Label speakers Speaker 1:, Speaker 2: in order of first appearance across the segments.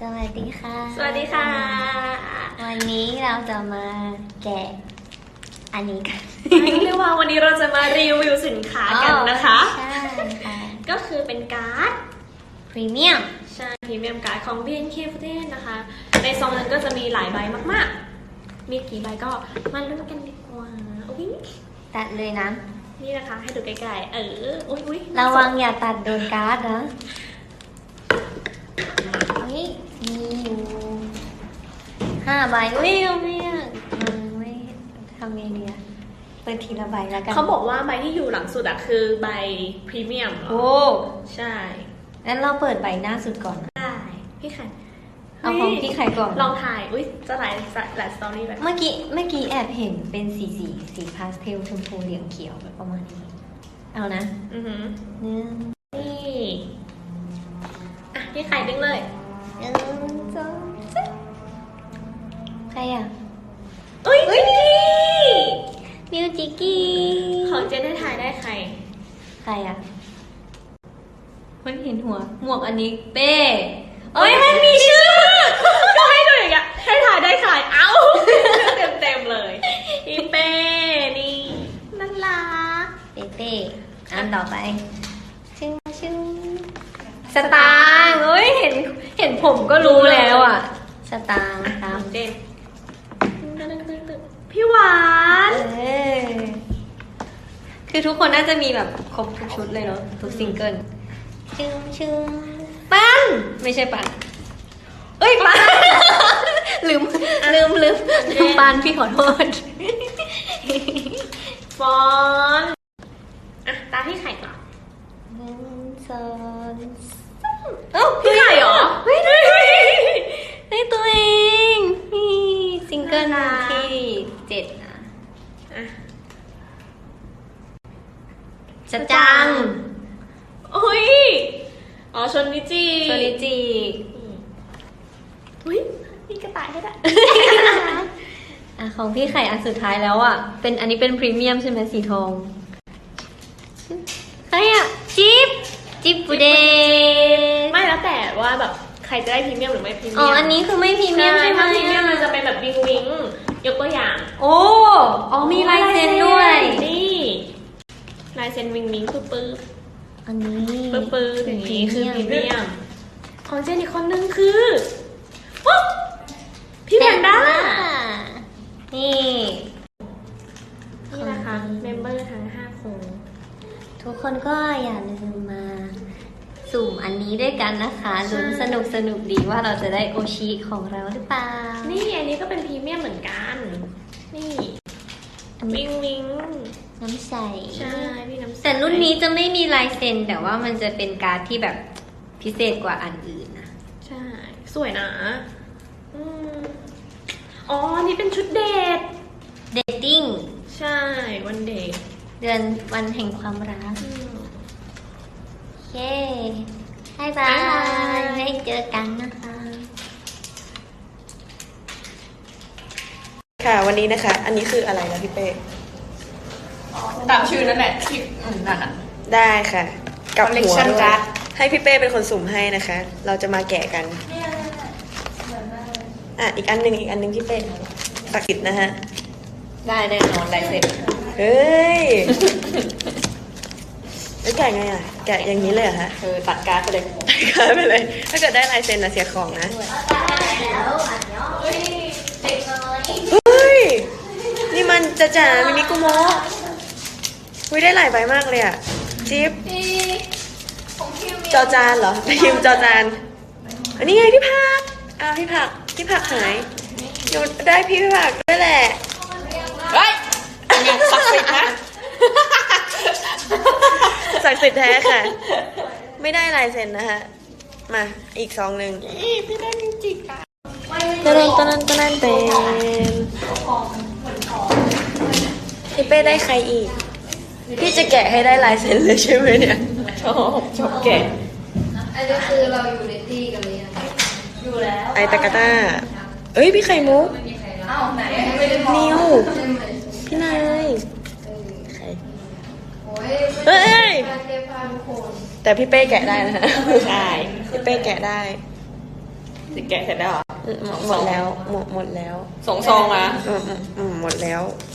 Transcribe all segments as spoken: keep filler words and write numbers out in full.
Speaker 1: สวัสดีค่ะ
Speaker 2: สวัสดีค่ะ
Speaker 1: วันนี้เราจะมาแกะอันนี้กัน
Speaker 2: เรียกว่าวันนี้เราจะมารีวิวสินค้ากันนะคะ
Speaker 1: ใช่ค่ะ
Speaker 2: ก็คือเป็นการ์ด
Speaker 1: พรีเมียม
Speaker 2: ใช่พรีเมียมการ์ดของ บี เอ็น เค โฟร์ตี้ นะคะ ในซองนั้นก็จะมีหลายใบมากๆ มีกี่ใบก็มาลุ้นกันดีกว่าอุ๊ย
Speaker 1: ตัดเลยนะ
Speaker 2: นี่นะคะให้ดูใกล้ๆ เออ อุ้ยอุ้ย
Speaker 1: ระวังอย่าตัดโดนการ์ดนะนี่มีอยู่ห้าใบอุ้ยเอาไม่อะมันไม่ทำไงดีอะเปิดทีละใบแล้วกัน
Speaker 2: เขาบอกว่าใบที่อยู่หลังสุดอะคือใบพรีเมียมเหรอ
Speaker 1: โอ้
Speaker 2: ใช่
Speaker 1: งั้นเราเปิดใบหน้าสุดก่อนนะ
Speaker 2: ได้พี่ไข่
Speaker 1: เอาของพี่ไข่ก่อน
Speaker 2: ลองถ่าย อุ้ยจะหลายหลายสตอรี่แบบ
Speaker 1: เมื่อกี้เมื่อกี้แอบเห็นเป็นสีสีสีพาสเทลชมพูเหลืองเขียวแบบประมาณนี้ เอานะ
Speaker 2: อือหือ
Speaker 1: หนึ่ง
Speaker 2: นี่อ่ะพี่ไข่ดึงเลย
Speaker 1: หนึ่งสองสามใครอ่ะ
Speaker 2: อุ้ยจิกกี้
Speaker 1: มิวจิกกี้
Speaker 2: ของเจนได้ถ่ายได้ใคร
Speaker 1: ใครอ่ะเฮ้ยเห็นหัว หมวกอันนี้เป้เอ้ยมันมีชื่อ
Speaker 2: ก็ให้ดูอย่างเงี้ยให้ถ่ายได้ใครเอ้า เต็มเต็มๆเลยพี่เป้นี่น่ารัก
Speaker 1: เป้เป้อันต่อไปชึ้งชึ้งสตางค์เฮ้ยเห็นเห็นผมก็รู้แล้วอ่ะ สตางค์ตาม
Speaker 2: เจนพี่หวาน
Speaker 1: เออคือทุกคนน่าจะมีแบบครบทุกชุดเลยเนาะทุกซิงเกิลชึ้งชึ้งปั้นไม่ใช่ปั้นเอ้ยปั้น ลืมลืมลืมลืมปั้นพี่ขอโทษ
Speaker 2: ฟอนอ่ะตาพี่ไข่ก่อน
Speaker 1: หนึ่งสองสามเอ้า
Speaker 2: พี่ไข่เหรอ
Speaker 1: ไม่ได้ได้ตัวเองนี่ซิงเกิลที่เจ็ดนะ
Speaker 2: อ่ะ
Speaker 1: จะจัง
Speaker 2: โอ้ยอ๋อชนนิจิ
Speaker 1: โซนิจิ
Speaker 2: อุ้ยมีกระต่ายให้ด้วย
Speaker 1: อ่ะของพี่ไข่อันสุดท้ายแล้วอ่ะเป็นอันนี้เป็นพรีเมียมใช่ไหมสีทองใครอ่ะจิ๊บจิ๊บบูเดส
Speaker 2: ไม่แล้วแต่ว่าแบบใครจะได้พรีเมียมหรือไม่พรีเมียม
Speaker 1: อ๋ออันนี้คือไม่พรีเมียมใช่ไหม
Speaker 2: ถ้าพรีเมียมมันจะเป็นแบบวิงวิงยกตัวอย่าง
Speaker 1: โอ้อ๋อมีลายเซ็นด้วย
Speaker 2: นี่ลายเซ็นวิงวิงปื้อปื้อ
Speaker 1: อันนี้
Speaker 2: ปื้อปื้ออย่างนี้คือพรีเมียมของเจนอีกคนนึงคือปุ๊บพี่แพนด้า
Speaker 1: นี่
Speaker 2: นี่นะคะเมมเบอร์ทั้งห้าคน
Speaker 1: ทุกคนก็อย่าลืมมาสุ่มอันนี้ด้วยกันนะคะลุ้นสนุกสนุกดีว่าเราจะได้โอชิของเราหรือเปล่า
Speaker 2: นี่อันนี้ก็เป็นพรีเมียมเหมือนกัน นี่
Speaker 1: อันนี้
Speaker 2: วิงวิง
Speaker 1: น้ำใส
Speaker 2: ใช่พี่น้ำใส
Speaker 1: แต่รุ่นนี้จะไม่มีลายเซ็นแต่ว่ามันจะเป็นการ์ดที่แบบพิเศษกว่าอันอื่นนะ
Speaker 2: ใช่ สวยนะอืมอ๋ออันนี้เป็นชุดเดท
Speaker 1: เดทติ้ง
Speaker 2: ใช่ วันเด็ก
Speaker 1: เดือนวันแห่งความรัก
Speaker 2: อืม
Speaker 1: เย้บายบา
Speaker 2: บ๊ายบาย
Speaker 1: ยไว้เจอกันนะคะ
Speaker 3: ค่ะวันนี้นะคะ อันนี้คืออะไรนะพี่เป้
Speaker 4: ตามชื่อนั่นแหละที่อืมนั่นอ่ะ
Speaker 3: ได้ค่ะกับหัว
Speaker 4: Collection
Speaker 3: ด้วย
Speaker 4: card
Speaker 3: ให้พี่เป้เป็นคนสุ่มให้นะคะ เราจะมาแกะกันอ่ะอีกอันหนึ่งอีกอันหนึ่งพี่เป้ศักดิ์สิทธิ์นะฮะ
Speaker 4: ได้แน่นอนลายเซ็น
Speaker 3: เฮ้ยแล้วแกะไงอ่ะแกะอย่างนี้เลยเหรอฮะ
Speaker 4: เออตัดการ์ดไปเลย
Speaker 3: กลายไปเลย ถ้าเกิดได้ลายเซ็นนะเสียของนะเฮ้ยนี่มันจะจ๋ามินิกุโมะอุ้ยได้หลายใบมากเลยอ่ะจิ๊บจอจานเหรอพิมพ์จอจานอันนี้ไงพี่ผักอ้าวพี่ผักพี่ผักหายหนูได้พี่ผักด้วยแหละ
Speaker 4: เฮ้ยศักดิ์สิทธิ์นะ
Speaker 3: ศักดิ์สิทธิ์แท้ค่ะ ไม่ได้ลายเซ็นนะฮะมาอีกซองหนึ่ง
Speaker 4: พี่ได้จริงๆอ่ะ
Speaker 3: ตะนันตะนันตะนันเป็นพี่เป้ได้ใครอีก พี่จะแกะให้ได้ลายเซ็นเลยใช่ไหมเนี่ย
Speaker 4: ชอบชอบแกะ
Speaker 5: อันนี้คือเราอยู่ในที่กันเลยง
Speaker 2: อยู่แล้ว
Speaker 3: ไอตะกะต้าเอ้ยพี่ไข่มุก
Speaker 5: อ้าวไหนไม่ได้มอง
Speaker 3: นิว
Speaker 5: ใช่ไหม
Speaker 3: พี่นายใคร
Speaker 5: โอ้ย
Speaker 3: เฮ้ย
Speaker 5: การเก็บผ้าทุกคน
Speaker 3: แต่พี่เป้แกะได้นะฮะ ใช่ พี่เป้แกะได้
Speaker 4: จะแกะเสร็จแล้วเหรอ
Speaker 3: อืมหมดแล้วหมดหมดแล้ว
Speaker 4: สองซองมา
Speaker 3: อืมอืมอืมหมดแล้ว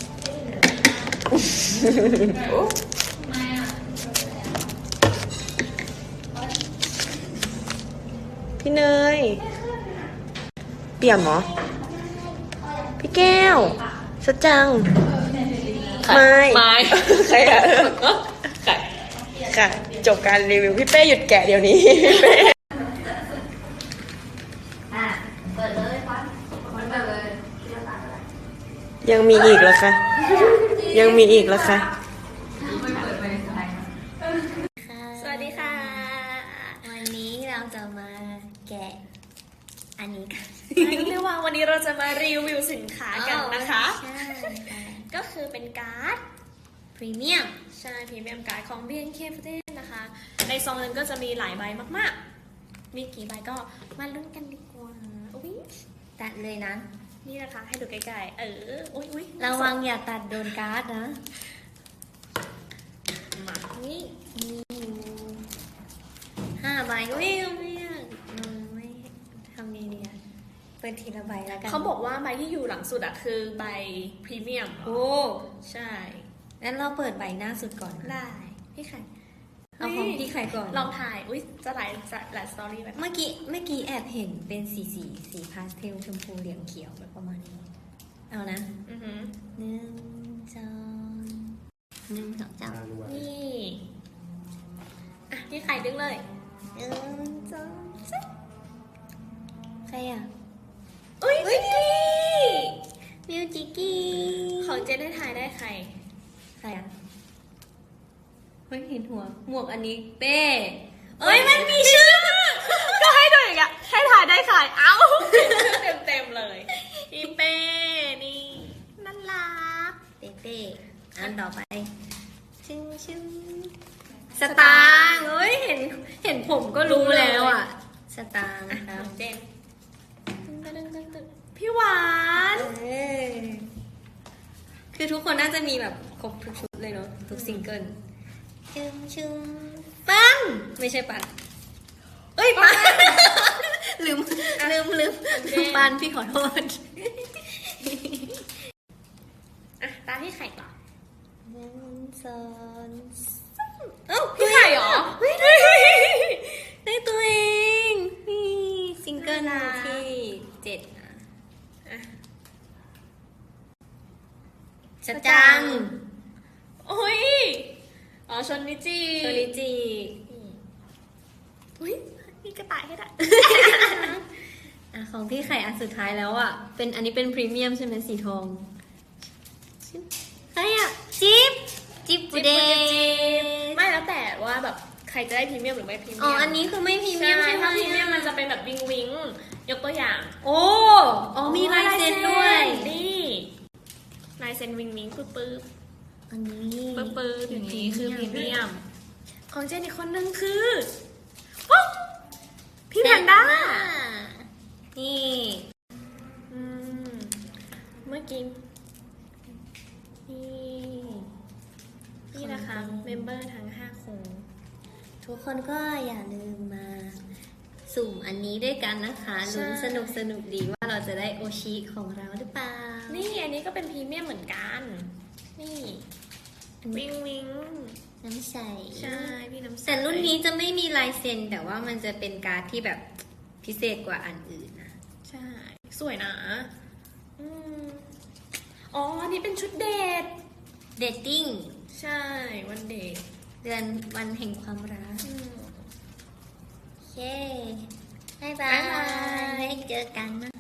Speaker 3: พี่เนย เปี่ยมเหรอ พี่แก้วสดจัง ไม่
Speaker 4: ไม่
Speaker 3: ใครอะ
Speaker 4: ไก่
Speaker 3: ค่ะ จบการรีวิว พี่เป้หยุดแกะเดี๋ยวนี้ พี่เป้
Speaker 5: อ่ะเปิดเลยฟันฟันเปิดเลย
Speaker 3: ยังมีอีกเหรอคะ ยังมีอีกเหรอคะ
Speaker 2: สวัสดีค่ะ
Speaker 1: วันนี้เราจะมาแกะอันนี้กัน
Speaker 2: เรียกว่าวันนี้เราจะมารีวิวสินค้ากันนะคะ
Speaker 1: ใช่ค่ะ
Speaker 2: ก็คือเป็นการ์ด
Speaker 1: พรีเมียม
Speaker 2: ใช่พรีเมียมการ์ดของ บี เอ็น เค โฟร์ตี้ นะคะ ในซองนั้นก็จะมีหลายใบมากๆ มีกี่ใบก็มาลุ้นกันดีกว่าอุ๊ย
Speaker 1: ตัดเลยนะ
Speaker 2: นี่นะคะให้ดูใกล้ๆ เออ อุ๊ยอุ๊ย
Speaker 1: ระวังอย่าตัดโดนการ์ดนะ
Speaker 2: มา
Speaker 1: นี่มีอยู่ห้าใบอุ้ยไม่อยากอืมไม่ทำไงดีอะเปิดทีละใบแล้วกัน
Speaker 2: เขาบอกว่าใบที่อยู่หลังสุดอะคือใบพรีเมียม
Speaker 1: โอ้
Speaker 2: ใช่
Speaker 1: งั้นเราเปิดใบหน้าสุดก่อนนะ
Speaker 2: ได้ พี่ไข่
Speaker 1: เอาของพี่ไข่ก่อน
Speaker 2: ลองถ่าย อุ๊ย จะหลายจะหลายสตอรี่แบบ
Speaker 1: เมื่อกี้เมื่อกี้แอบเห็นเป็นสีสีสีพาสเทลชมพูเหลืองเขียวแบบประมาณนี้ เอานะ
Speaker 2: อือหือ
Speaker 1: หนึ่งสองหนึ่งสองสาม
Speaker 2: นี่ อ่ะ พี่ไข่ดึงเลย
Speaker 1: หนึ่งสองสามใครอ่ะ
Speaker 2: อุ๊ยจิกกี้
Speaker 1: มิวจิกกี้
Speaker 2: ของเจนได้ถ่ายได้ใคร
Speaker 1: ใครอ่ะเฮ้ยเห็นหัว หมวกอันนี้เป้เอ้ยมันมีชื่อ
Speaker 2: ก็ให้ดูอย่างเงี้ยให้ถ่ายได้ใครเอ้าเต็มเต็มๆเลยพี่เป้นี่น่ารัก
Speaker 1: เป้เป้อันต่อไป ชึ้งชึ้งสตางค์เฮ้ยเห็นเห็นผมก็รู้แล้วอ่ะ สตางค์ครับ
Speaker 2: เจนพี่หวาน
Speaker 1: เออคือทุกคนน่าจะมีแบบครบทุกชุดเลยเนาะทุกซิงเกิลชึ้งชึ้งปันไม่ใช่ปันเอ้ยปัน ลืมลืมลืมปันพี่ขอโทษ
Speaker 2: อ่ะตามพี่ไข่ต่อ
Speaker 1: หนึ่งสองสาม
Speaker 2: เอ้าพี่ไข่เหรอ
Speaker 1: เฮ้ยได้ได้ตัวเองนี่ซิงเกิล
Speaker 2: น่ารัก
Speaker 1: ที่เจ็ดนะ
Speaker 2: อ่ะ
Speaker 1: สจัง
Speaker 2: โอ้ยอ๋อชนนิจิ
Speaker 1: โชลิจิ
Speaker 2: อุ้ยมีกระต่ายให้ด้วย
Speaker 1: อ่ะของพี่ไข่อันสุดท้ายแล้วอ่ะเป็นอันนี้เป็นพรีเมียมใช่ไหมสีทองใครอ่ะจิ๊บจิ๊บบูเด
Speaker 2: ไม่แล้วแต่ว่าแบบใครจะได้พรีเมียมหรือไม่พรีเมียม
Speaker 1: อ๋ออันนี้คือไม่พรีเมียม
Speaker 2: ใช่
Speaker 1: ใช่ไหม
Speaker 2: ถ้าพรีเมียมมันจะเป็นแบบวิงวิงยกตัวอย่าง
Speaker 1: โอ้อ๋อมีลายเซ็นด้วย
Speaker 2: นี่ลายเซ็นวิงวิงปึ๊บปึ๊บ
Speaker 1: อันนี้
Speaker 2: ปึ๊บปึ๊บอย่างนี้คือพรีเมียม ของเจนอีกคนนึงคือปุ๊บพี่แพนด้า
Speaker 1: นี่
Speaker 2: อืมเมื่อกี้นี่นี่นะคะเมมเบอร์ทั้งห้าคน
Speaker 1: ทุกคนก็อย่าลืมมาสุ่มอันนี้ด้วยกันนะคะลุ้นสนุกสนุกดีว่าเราจะได้โอชิของเราหรือเปล่า
Speaker 2: นี่อันนี้ก็เป็นพรีเมียมเหมือนกัน นี่วิงวิง
Speaker 1: น้ำใส
Speaker 2: ใช่พี่น้ำใส
Speaker 1: แต่รุ่นนี้จะไม่มีลายเซ็นแต่ว่ามันจะเป็นการ์ดที่แบบพิเศษกว่าอันอื่นนะ
Speaker 2: ใช่ สวยนะอืมอ๋อ อันนี้เป็นชุดเดท
Speaker 1: เดทติ้ง
Speaker 2: ใช่ วันเดท
Speaker 1: เดือนวันแห่งความรัก
Speaker 2: อืม
Speaker 1: โอเคบายบา
Speaker 2: บ๊ายบาย
Speaker 1: ยเจอกันนะ